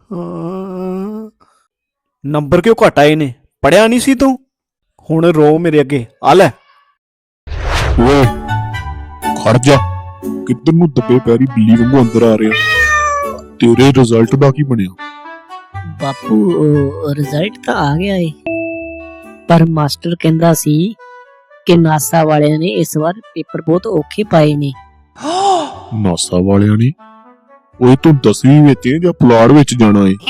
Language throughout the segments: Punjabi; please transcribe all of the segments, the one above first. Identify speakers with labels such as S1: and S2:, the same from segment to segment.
S1: ਨੰਬਰ ਕਿਉਂ ਘੱਟ ਆਏ ਨੇ? ਪੜਿਆ ਨਹੀਂ ਸੀ ਤੂੰ? ਹੁਣ ਰੋ ਮੇਰੇ ਅੱਗੇ। ਆ ਲੈ।
S2: ਓਏ ਖੜ ਜਾ, ਕਿੱਧਰ ਨੂੰ ਦੱਬੇ ਪੈਰੀ ਬਿੱਲੀ ਵਾਂਗੂ ਅੰਦਰ ਆ ਰਿਹਾ। ਤੇਰੇ ਰਿਜ਼ਲਟ ਦਾ ਕੀ ਬਣਿਆ?
S3: ਬਾਪੂ ਰਿਜ਼ਲਟ ਤਾਂ ਆ ਗਿਆ ਏ, ਪਰ ਮਾਸਟਰ ਕਹਿੰਦਾ ਸੀ ਕਿ ਨਾਸਾ ਵਾਲਿਆਂ ਨੇ ਇਸ ਵਾਰ ਪੇਪਰ ਬਹੁਤ ਔਖੇ ਪਾਏ ਨੇ।
S2: ਨਾਸਾ ਵਾਲਿਆਂ ਨੇ? ਓਏ ਤੂੰ 10ਵੀਂ ਵਿੱਚ ਏ ਜਾਂ ਪੁਲਾੜ ਵਿੱਚ ਜਾਣਾ ਏ?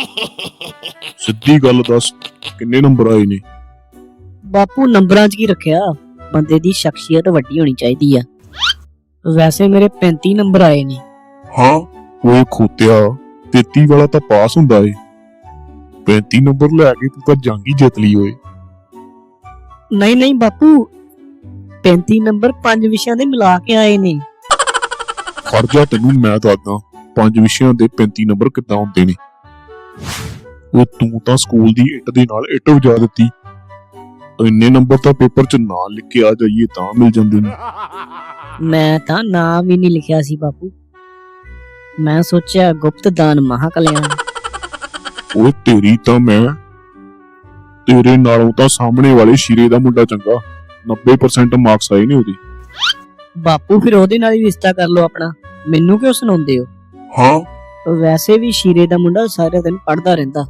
S2: ਸਿੱਧੀ ਗੱਲ ਦੱਸ, ਕਿੰਨੇ ਨੰਬਰ ਆਏ ਨੇ?
S3: ਬਾਪੂ ਨੰਬਰਾਂ 'ਚ ਕੀ ਰੱਖਿਆ, ਬੰਦੇ ਦੀ ਸ਼ਖਸੀਅਤ ਵੱਡੀ ਹੋਣੀ ਚਾਹੀਦੀ ਆ। ਵੈਸੇ ਮੇਰੇ 35 ਨੰਬਰ ਆਏ ਨੇ।
S2: ਹਾਂ ਓਏ ਖੋਤਿਆ, 33 ਵਾਲਾ ਤਾਂ ਪਾਸ ਹੁੰਦਾ ਏ। 35 ਨੰਬਰ ਲੈ ਕੇ ਤੂੰ ਤਾਂ ਜੰਗ ਹੀ ਜਿੱਤ ਲਈ ਓਏ।
S3: ਨਹੀਂ ਬਾਪੂ, 35 ਨੰਬਰ 5 ਵਿਸ਼ਿਆਂ ਦੇ ਮਿਲਾ ਕੇ ਆਏ ਨੇ।
S2: ਖੜ ਜਾ, ਤੈਨੂੰ ਮੈਂ ਦੱਸਦਾ 5 ਵਿਸ਼ਿਆਂ ਦੇ 35 ਨੰਬਰ ਕਿੱਦਾਂ ਹੁੰਦੇ ਨੇ। ਉਹ ਤੂੰ ਤਾਂ ਸਕੂਲ ਦੀ ਇੱਟ ਦੇ ਨਾਲ ਇੱਟ ਵਜਾ ਦਿੱਤੀ। ਇੰਨੇ ਨੰਬਰ ਤਾਂ ਪੇਪਰ 'ਚ ਨਾਂ ਲਿਖ ਕੇ ਆ ਜਾਈਏ ਤਾਂ ਮਿਲ ਜਾਂਦੇ ਨੇ।
S3: ਮੈਂ ਤਾਂ ਨਾਮ ਵੀ ਨਹੀਂ ਲਿਖਿਆ ਸੀ ਬਾਪੂ, ਮੈਂ ਸੋਚਿਆ ਗੁਪਤ ਦਾਨ ਮਹਾ ਕਲਿਆਣ।
S2: ਓਏ ਤੇਰੀ ਤਾਂ ਮੈਂ, ਤੇਰੇ ਨਾਲੋਂ ਤਾਂ ਸਾਹਮਣੇ ਵਾਲੇ ਸ਼ੀਰੇ ਦਾ ਮੁੰਡਾ ਚੰਗਾ। 90% ਮਾਰਕਸ ਆਏ ਨੇ ਉਹਦੇ।
S3: ਬਾਪੂ ਫਿਰ ਉਹਦੇ ਨਾਲ ਹੀ ਰਿਸ਼ਤਾ ਕਰ ਲਓ ਆਪਣਾ, ਮੈਨੂੰ ਕਿਉਂ ਸੁਣਾਉਂਦੇ ਹੋ?
S2: ਹਾਂ
S3: ਵੈਸੇ ਵੀ ਸ਼ੀਰੇ ਦਾ ਮੁੰਡਾ ਸਾਰੇ ਦਿਨ ਪੜਦਾ ਰਹਿੰਦਾ।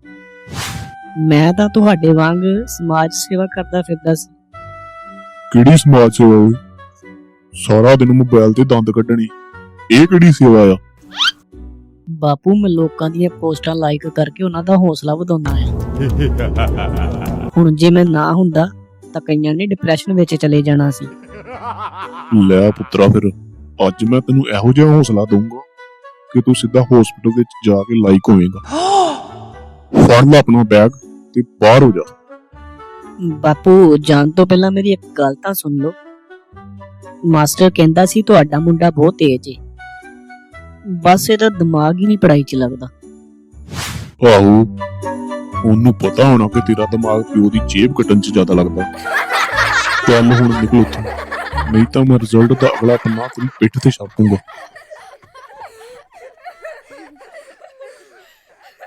S3: ਮੈਂ ਤਾਂ ਤੁਹਾਡੇ ਵਾਂਗ ਸਮਾਜ ਸੇਵਾ ਕਰਦਾ ਫਿਰਦਾ ਸੀ।
S2: ਕਿਹੜੀ ਸਮਾਜ ਸੇਵਾ ਓਏ? ਸਾਰਾ ਦਿਨ ਮੋਬਾਈਲ ਤੇ ਦੰਦ ਕੱਢਣੀ, ਇਹ ਕਿਹੜੀ ਸੇਵਾ ਆ?
S3: ਬਾਪੂ ਮੈਂ ਲੋਕਾਂ ਦੀਆਂ ਪੋਸਟਾਂ ਲਾਈਕ ਕਰਕੇ ਉਹਨਾਂ ਦਾ ਹੌਸਲਾ ਵਧਾਉਂਦਾ ਆ। ਹੁਣ ਜੇ ਮੈਂ ਨਾ ਹੁੰਦਾ ਤਾਂ ਕਈਆਂ ਨੇ ਡਿਪਰੈਸ਼ਨ ਵਿੱਚ ਚਲੇ ਜਾਣਾ ਸੀ।
S2: ਲੈ ਪੁੱਤਰਾ, ਫਿਰ ਅੱਜ ਮੈਂ ਤੈਨੂੰ ਇਹੋ ਜਿਹਾ ਹੌਸਲਾ ਦਊਂਗਾ ਕਿ ਤੂੰ ਸਿੱਧਾ ਹਸਪੀਟਲ ਵਿੱਚ ਜਾ ਕੇ ਲਾਈਕ ਹੋਵੇਂਗਾ। ਫੜ ਲੈ ਆਪਣਾ ਬੈਗ ਤੇ ਬਾਹਰ ਹੋ ਜਾ।
S3: ਬਾਪੂ ਜਾਣ ਤੋਂ ਪਹਿਲਾਂ ਮੇਰੀ ਇੱਕ ਗੱਲ ਤਾਂ ਸੁਣ ਲਓ। ਮਾਸਟਰ ਕਹਿੰਦਾ ਸੀ ਤੁਹਾਡਾ ਮੁੰਡਾ ਬਹੁਤ ਤੇਜ਼ ਏ, ਬਸ ਇਹਦਾ ਦਿਮਾਗ ਹੀ ਨਹੀਂ ਪੜਾਈ 'ਚ ਲੱਗਦਾ।
S2: ਆਹੋ, ਉਹਨੂੰ ਪਤਾ ਹੋਣਾ ਕਿ ਤੇਰਾ ਦਿਮਾਗ ਪਿਓ ਦੀ ਜੇਬ ਕੱਟਣ 'ਚ ਜ਼ਿਆਦਾ ਲੱਗਦਾ। ਚੱਲ ਹੁਣ ਨਿਕਲ ਉੱਥੋਂ, ਨਹੀਂ ਤਾਂ ਮੈਂ ਰਿਜ਼ਲਟ ਦਾ ਅਗਲਾ ਪੰਨਾ ਤੇਰੀ ਪਿੱਠ ਤੇ ਛਾਪੂੰਗਾ।